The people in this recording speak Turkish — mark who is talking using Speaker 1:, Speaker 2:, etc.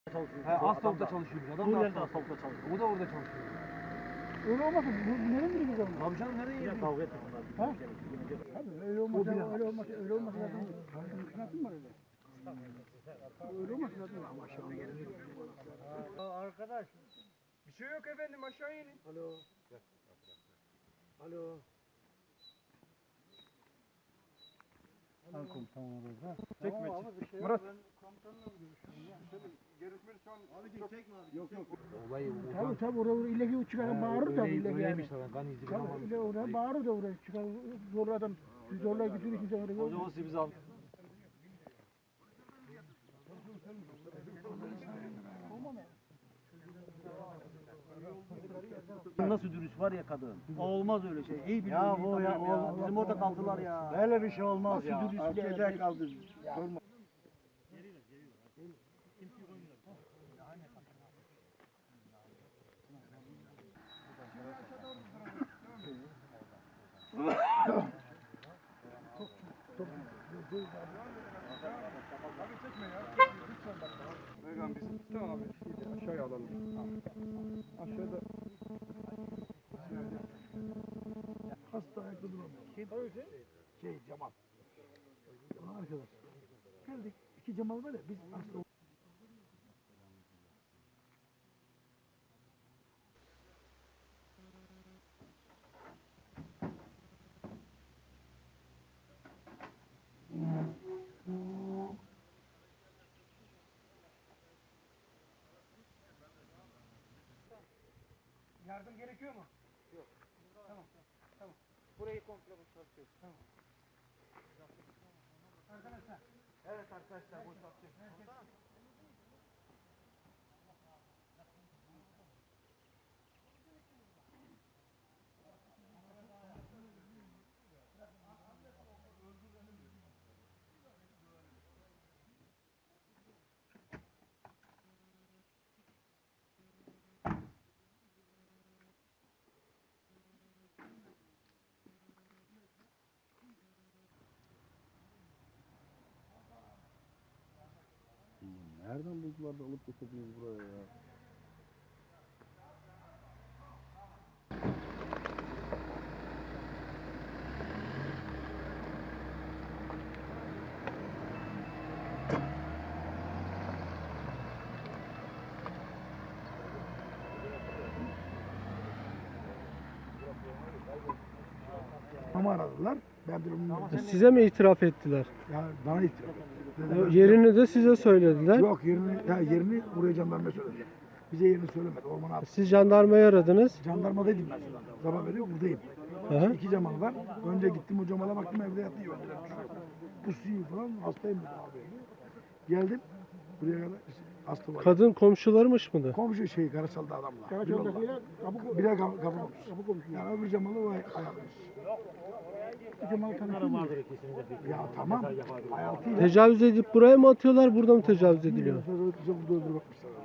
Speaker 1: çalışıyor.
Speaker 2: Asfaltta çalışıyor biz. Adam da
Speaker 1: Kuryerde asfaltta çalışıyor.
Speaker 2: O da orada çalışıyor.
Speaker 3: Öyle olmasa bu nereye gidecek o zaman?
Speaker 2: Abi canım nereye
Speaker 1: Yine
Speaker 2: gidiyor?
Speaker 1: kavga ettik bunlar.
Speaker 3: Ha? Tabii öyle olmasa öyle olmasa zaten mümkünatım var öyle. Öyle olmasa zaten ama aşağı.
Speaker 2: Arkadaş. Bir şey yok efendim aşağı inin. Alo. Alo.
Speaker 3: Al komutanım orada.
Speaker 2: Çekme.
Speaker 3: Murat.
Speaker 2: Yok. Olayı
Speaker 3: Tabii oraya illeki çıkarıp bağırır da illeki yani.
Speaker 2: öyleymiş lan. Kan izi falan
Speaker 3: Tabii oraya bağırır da oraya çıkar zorla adam zorla götürür kimse oraya.
Speaker 1: Hocam o sizi bizi al. Nasıl dürüst var ya kadın. Olmaz öyle şey. İyi biliyor.
Speaker 4: Ya bu ya,
Speaker 1: Bizim orada kaldılar ya.
Speaker 4: Böyle bir şey olmaz
Speaker 1: Nasıl
Speaker 4: ya.
Speaker 1: dürüstlüğe
Speaker 4: Gece kaldı. Durma.
Speaker 2: Vegan biz. Tamam abi. Aşağıya alalım. Aşağıda.
Speaker 3: Hasta ayakta duramıyor. Cemal. Arkadaş. Geldik. 2 Cemal var ya biz hasta
Speaker 2: Yardım gerekiyor mu? Yok. Tamam. Burayı komple boşaltıyoruz. Tamam. Arkadaşlar. Evet arkadaşlar boşaltıyoruz.
Speaker 4: Nereden buldular da alıp getirdiniz buraya ya?
Speaker 3: ama aradılar. Ben bir
Speaker 5: Size mi itiraf ettiler?
Speaker 3: ya bana itiraf etti.
Speaker 5: Yerini de size söylediler.
Speaker 3: Yok yerini buraya jandarma söyledi. Bize yerini söylemedi. Ormana attı.
Speaker 5: Siz jandarmayı aradınız.
Speaker 3: Jandarmadaydım ben şurada. Sabah veriyor buradayım.
Speaker 5: Aha.
Speaker 3: 2 Cemal var. Önce gittim o Cemal'a baktım evde yatıyor. Pusuyu falan hastayım dedi abi. Geldim. Buraya kadar hasta var.
Speaker 5: Kadın komşularmış mıdır?
Speaker 3: Komşu Karasal'da adamla. Karasal'dakiler kapı komşusu. Yani öbür Cemal'ı o ayarlamış. Cemal'ı tanıtıyor. Ya tamam. Hayatıyla.
Speaker 5: Tecavüz edip buraya mı atıyorlar, burada mı tecavüz ediliyor?
Speaker 3: Burada öldürmüşler.